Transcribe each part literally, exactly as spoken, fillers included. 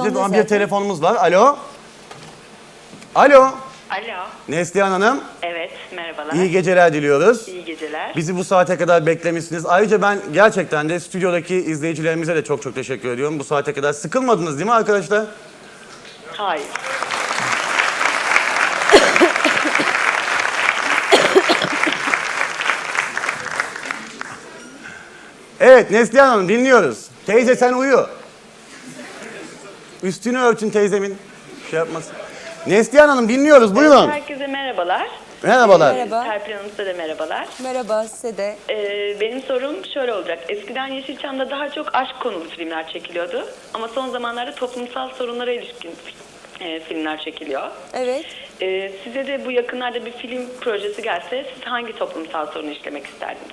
telefonda Ama zaten. bir telefonumuz var. Alo. Alo. Alo. Neslihan Hanım. Evet, merhabalar. İyi geceler diliyoruz. İyi geceler. Bizi bu saate kadar beklemişsiniz. Ayrıca ben gerçekten de stüdyodaki izleyicilerimize de çok çok teşekkür ediyorum. Bu saate kadar sıkılmadınız değil mi arkadaşlar? Hayır. Evet Neslihan Hanım dinliyoruz. Teyze sen uyu. Üstünü örtün teyzemin. Şey yapmasın. Neslihan Hanım dinliyoruz buyurun. Herkese merhabalar. Merhabalar. Merhaba. Serpil Hanım size de merhabalar. Merhaba size de. Ee, benim sorum şöyle olacak. Eskiden Yeşilçam'da daha çok aşk konulu filmler çekiliyordu. Ama son zamanlarda toplumsal sorunlara ilişkin e, filmler çekiliyor. Evet. Ee, size de bu yakınlarda bir film projesi gelse siz hangi toplumsal sorunu işlemek isterdiniz?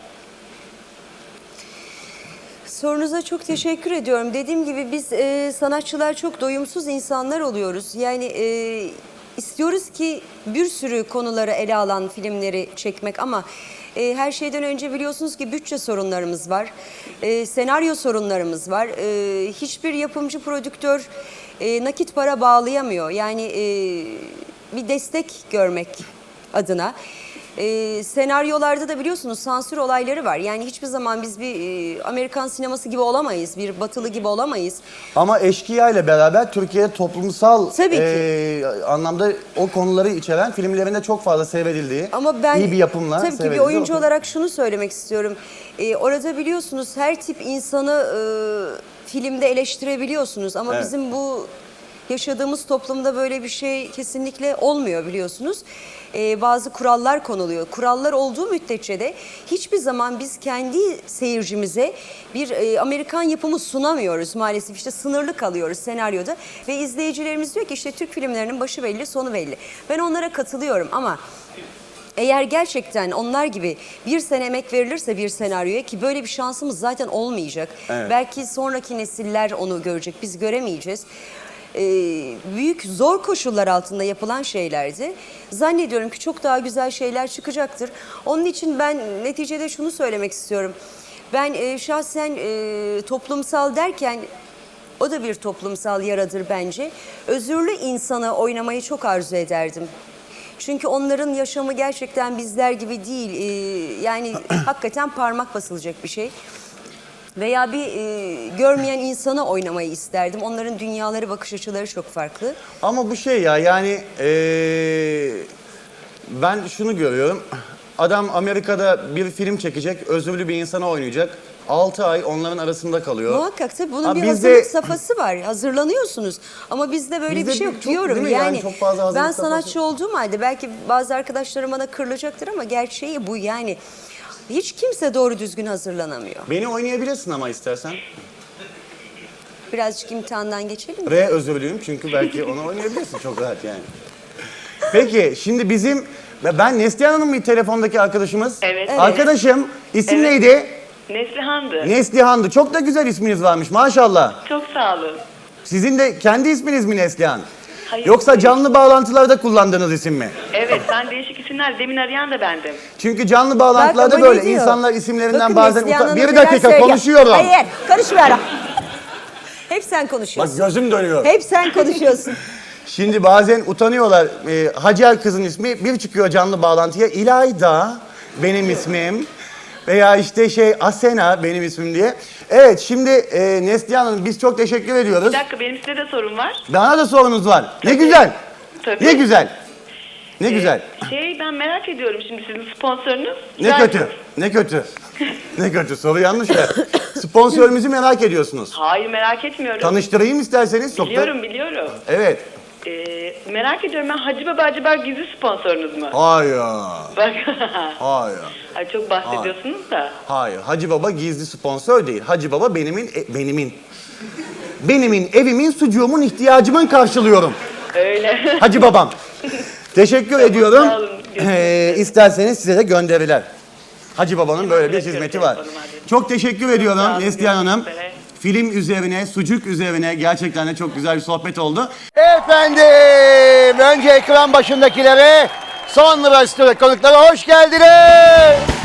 Sorunuza çok teşekkür ediyorum. Dediğim gibi biz e, sanatçılar çok doyumsuz insanlar oluyoruz. Yani e, istiyoruz ki bir sürü konuları ele alan filmleri çekmek ama e, her şeyden önce biliyorsunuz ki bütçe sorunlarımız var. E, senaryo sorunlarımız var. E, hiçbir yapımcı, prodüktör e, nakit para bağlayamıyor. Yani e, bir destek görmek adına. Ee, senaryolarda da biliyorsunuz sansür olayları var. Yani hiçbir zaman biz bir e, Amerikan sineması gibi olamayız, bir batılı gibi olamayız. Ama Eşkıya ile beraber Türkiye'de toplumsal Tabii ki. e, anlamda o konuları içeren filmlerinde çok fazla seyredildiği, Ama ben iyi bir yapımla tabii ki bir seyredildiği oyuncu o- olarak şunu söylemek istiyorum. Ee, orada biliyorsunuz her tip insanı e, filmde eleştirebiliyorsunuz ama Evet. bizim bu yaşadığımız toplumda böyle bir şey kesinlikle olmuyor biliyorsunuz. Ee, bazı kurallar konuluyor. Kurallar olduğu müddetçe de hiçbir zaman biz kendi seyircimize bir e, Amerikan yapımı sunamıyoruz maalesef. İşte sınırlı kalıyoruz senaryoda ve izleyicilerimiz diyor ki işte Türk filmlerinin başı belli, sonu belli. Ben onlara katılıyorum ama eğer gerçekten onlar gibi bir sene emek verilirse bir senaryoya ki böyle bir şansımız zaten olmayacak. Evet. Belki sonraki nesiller onu görecek, biz göremeyeceğiz. Ee, büyük zor koşullar altında yapılan şeylerdi. Zannediyorum ki çok daha güzel şeyler çıkacaktır. Onun için ben neticede şunu söylemek istiyorum. Ben e, şahsen e, toplumsal derken o da bir toplumsal yaradır bence. Özürlü insanı oynamayı çok arzu ederdim. Çünkü onların yaşamı gerçekten bizler gibi değil. Ee, yani hakikaten parmak basılacak bir şey. Veya bir e, görmeyen insanı oynamayı isterdim. Onların dünyaları, bakış açıları çok farklı. Ama bu şey ya yani eee, ben şunu görüyorum. Adam Amerika'da bir film çekecek, özürlü bir insana oynayacak. altı ay onların arasında kalıyor. Muhakkak tabii bunun Ha, bir bizde- hazırlık safhası var. Hazırlanıyorsunuz. Ama bizde böyle Bizde bir şey bir- yok çok- diyorum. değil mi? Yani Yani, çok fazla hazırlık ben sanatçı safhası- olduğum halde belki bazı arkadaşlarım bana kırılacaktır ama gerçeği bu yani. Hiç kimse doğru düzgün hazırlanamıyor. Beni oynayabilirsin ama istersen. Birazcık imtihandan geçelim mi? R özürlüyüm çünkü belki onu oynayabilirsin çok rahat yani. Peki şimdi bizim, ben Neslihan Hanım mı telefondaki arkadaşımız? Evet. Evet. Arkadaşım isim Evet. neydi? Neslihan'dı. Neslihan'dı. Çok da güzel isminiz varmış maşallah. Çok sağ olun. Sizin de kendi isminiz mi Neslihan? Hayır. Yoksa canlı bağlantılarda kullandığınız isim mi? Evet, ben değişik isimler. Demin arayan da bendim. Çünkü canlı bağlantılarda Bak ama böyle ne diyor? insanlar isimlerinden Bakın bazen Neslihan utan... Hanım Bir neler dakika söylüyor. konuşuyorum. Hayır, karışma. Hep sen Bak konuşuyorsun. gözüm dönüyor. Hep sen konuşuyorsun. Şimdi bazen utanıyorlar. Ee, Hacer kızın ismi bir çıkıyor canlı bağlantıya. İlayda benim ismim. Veya işte şey Asena benim ismim diye. Evet şimdi e, Neslihan Hanım biz çok teşekkür ediyoruz. Bir dakika, benim size de sorum var. Bana da sorunuz var. Ne güzel. Tabii. Ne güzel. Ne Ee, güzel. Şey, ben merak ediyorum şimdi sizin sponsorunuz. Ne Ben- kötü. Ne kötü. Ne kötü. Soru yanlış ya. Sponsorumuzu merak ediyorsunuz. Hayır, merak etmiyorum. Tanıştırayım isterseniz. Çok da- Biliyorum, biliyorum. Evet. Ee, merak ediyorum, ben Hacı Baba Hacı Baba gizli sponsorunuz mu? Hayır. Bak. Hayır. Ay, çok bahsediyorsunuz da. Hayır. Hacı Baba gizli sponsor değil. Hacı Baba benimin e, benimin. Benimin evimin sucuğumun ihtiyacımın karşılıyorum. Öyle. Hacı Babam. Teşekkür ediyorum. sağ olun. Ee, isterseniz size de gönderiler. Hacı Baba'nın böyle bir bırakıyorum hizmeti var. telefonumu, hadi. Çok teşekkür ediyorum Sağ olun, Neslihan Hanım. görüşmek üzere. Film üzerine, sucuk üzerine gerçekten de çok güzel bir sohbet oldu. Efendim, önce ekran başındakilere, sonra stüdyo konuklara hoş geldiniz.